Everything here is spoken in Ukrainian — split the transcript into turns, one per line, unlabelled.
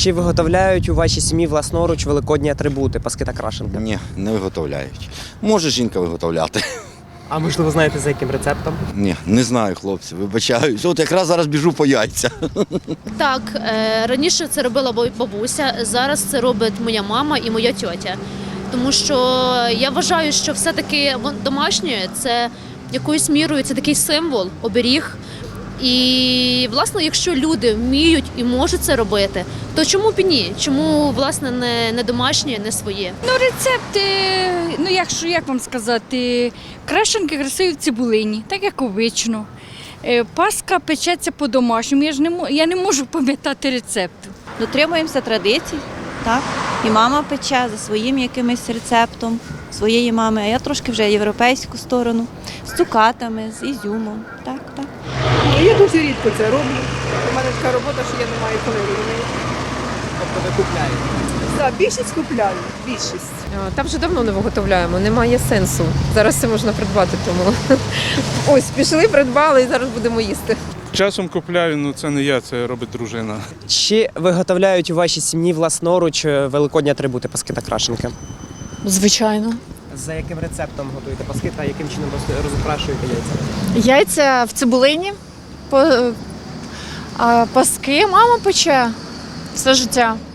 Чи виготовляють у вашій сім'ї власноруч великодні атрибути, паски та крашенки?
Ні, не виготовляють. Може жінка виготовляти.
А можливо, знаєте, за яким рецептом?
Ні, не знаю, хлопці, вибачаюсь. От якраз зараз біжу по яйця.
Так, раніше це робила бабуся, зараз це робить моя мама і моя тьотя. Тому що я вважаю, що все-таки домашнє – це якоюсь мірою це такий символ, оберіг. І, власне, якщо люди вміють і можуть це робити, то чому б і ні? Чому, власне, не домашнє, не своє?
Ну, рецепти, як вам сказати, крашенки красиві в цибулині, так як обично. Паска печеться по-домашньому, я не можу пам'ятати рецепту.
Дотримуємося традицій, так? І мама пече за своїм якимось рецептом своєї мами, а я трошки вже європейську сторону, з цукатами, з ізюмом. Так, так.
Я дуже рідко це роблю. У мене така робота, що я не маю коли робити.
Тобто ви купляєте?
Так, більшість купляю, більшість.
Та вже давно не виготовляємо, немає сенсу. Зараз це можна придбати, тому ось пішли, придбали і зараз будемо їсти.
Часом купляю, але це не я, це робить дружина.
Чи виготовляють у вашій сім'ї власноруч великодні атрибути, паски та крашенки?
Звичайно.
За яким рецептом готуєте паски та яким чином розукрашуєте яйця?
Яйця в цибулині, а паски мама пече все життя.